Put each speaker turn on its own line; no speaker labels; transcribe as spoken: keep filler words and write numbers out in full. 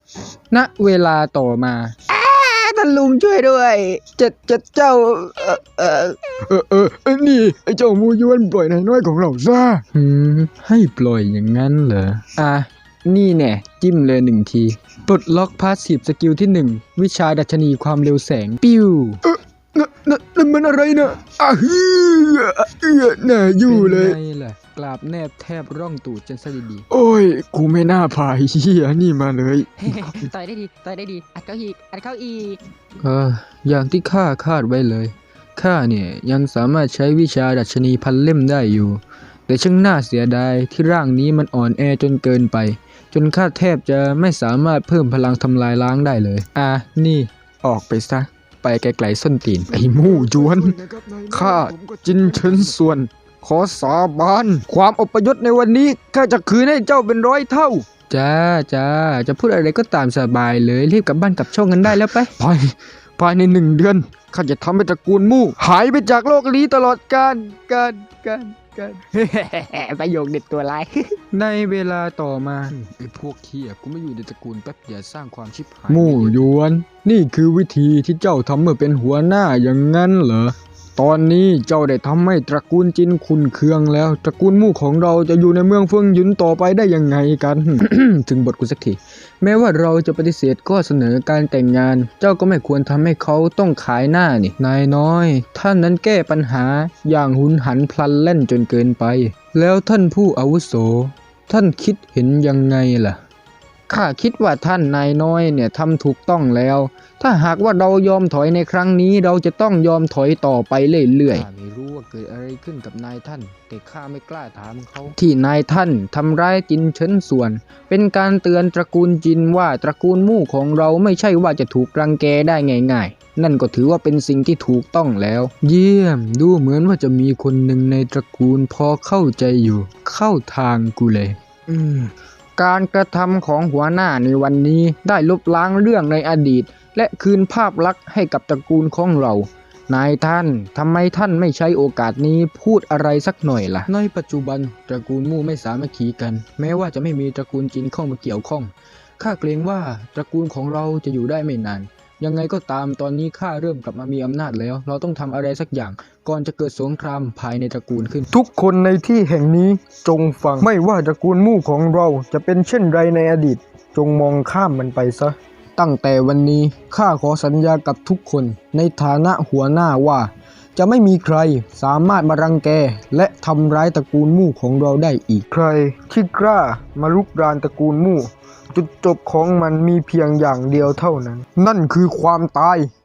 ณเวลาต่อมาท่านลุงช่วยด้วยเจ็ดเจ็ดเจ้าเออเออเออเออเออนี่ไอ้เจ้ามูยวนปล่อยนายน้อยของเราซะหืมให้ปล่อยอย่างนั้นเหรออ่ะนี่แน่จิ้มเลยหนึ่งทีปลดล็อกพาสซีฟสกิลที่หนึ่งวิชาดัชนีความเร็วแสงปิ้วเออนั่นนั่นนั่นมันอะไรนะอ่ะฮือเออน่าอยู่เลยเป็นไงล่ะกราบแนบแทบร่องตูดจนสะดีโอ้ยกูไม่น่าพาเฮียนี่มาเลย
ต่อยได้ดีต่อยได้ดีอัดเข้าอีกอัดเข้าอีก
เอออย่างที่ข้าคาดไว้เลยข้าเนี่ยยังสามารถใช้วิชาดัชนีพันเล่มได้อยู่แต่ช่างน่าเสียดายที่ร่างนี้มันอ่อนแอจนเกินไปจนข้าแทบจะไม่สามารถเพิ่มพลังทำลายล้างได้เลยอ่ะนี่ออกไปซะไปไกลๆส้นตีนไอ้มู่จวนข้าจินเฉินส่วนขอสาบานความอพยพในวันนี้ข้าจะคืนให้เจ้าเป็นร้อยเท่าจ้าจ้าจะพูดอะไรก็ตามสบายเลยรีบกลับบ้านกลับช่องกันได้แล้วไปภายภายในหนึ่งเดือนข้าจะทำให้ตระกูลมู่หายไปจากโลกนี้ตลอดกาลกาลกาลกาล
ประโยคเด็ดตัวร้าย
ในเวลาต่อมาไอ้พวกเขี้ยกูไม่อยู่ในตระกูลแป๊บอย่าสร้างความชิบหายมู่ยวนนี่คือวิธีที่เจ้าทำเมื่อเป็นหัวหน้าอย่างนั้นเหรอตอนนี้เจ้าได้ทำให้ตระกูลจินขุนเคืองแล้วตระกูลมู่ของเราจะอยู่ในเมืองเฟืองหยุนต่อไปได้ยังไงกัน ถึงบทกูสักทีแม้ว่าเราจะปฏิเสธข้อเสนอการแต่งงานเจ้าก็ไม่ควรทำให้เขาต้องขายหน้านี่นายน้อยท่านนั้นแก้ปัญหาอย่างหุนหันพลันแล่นจนเกินไปแล้วท่านผู้อาวุโสท่านคิดเห็นยังไงล่ะข้าคิดว่าท่านนายน้อยเนี่ยทำถูกต้องแล้วถ้าหากว่าเรายอมถอยในครั้งนี้เราจะต้องยอมถอยต่อไปเรื่อยๆข้าไม่รู้ว่าเกิดอะไรขึ้นกับนายท่านแต่ข้าไม่กล้าถามเขาที่นายท่านทำร้ายจินเฉินส่วนเป็นการเตือนตระกูลจินว่าตระกูลมู่ของเราไม่ใช่ว่าจะถูกรังแกได้ง่ายๆนั่นก็ถือว่าเป็นสิ่งที่ถูกต้องแล้วเยี่ยมดูเหมือนว่าจะมีคนหนึ่งในตระกูลพอเข้าใจอยู่เข้าทางกูเลยอืมการกระทำของหัวหน้าในวันนี้ได้ลบล้างเรื่องในอดีตและคืนภาพลักษณ์ให้กับตระกูลของเรานายท่านทำไมท่านไม่ใช้โอกาสนี้พูดอะไรสักหน่อยล่ะในปัจจุบันตระกูลมู่ไม่สามัคคีกันแม้ว่าจะไม่มีตระกูลจินเข้ามาเกี่ยวข้องข้าเกรงว่าตระกูลของเราจะอยู่ได้ไม่นานยังไงก็ตามตอนนี้ข้าเริ่มกลับมามีอำนาจแล้วเราต้องทำอะไรสักอย่างก่อนจะเกิดสงครามภายในตระกูลขึ้นทุกคนในที่แห่งนี้จงฟังไม่ว่าตระกูลมู่ของเราจะเป็นเช่นไรในอดีตจงมองข้ามมันไปซะตั้งแต่วันนี้ข้าขอสัญญากับทุกคนในฐานะหัวหน้าว่าจะไม่มีใครสามารถมารังแกและทำร้ายตระกูลมู่ของเราได้อีกใครที่กล้ามาลุกรานตระกูลมู่จุดจบของมันมีเพียงอย่างเดียวเท่านั้นนั่นคือความตาย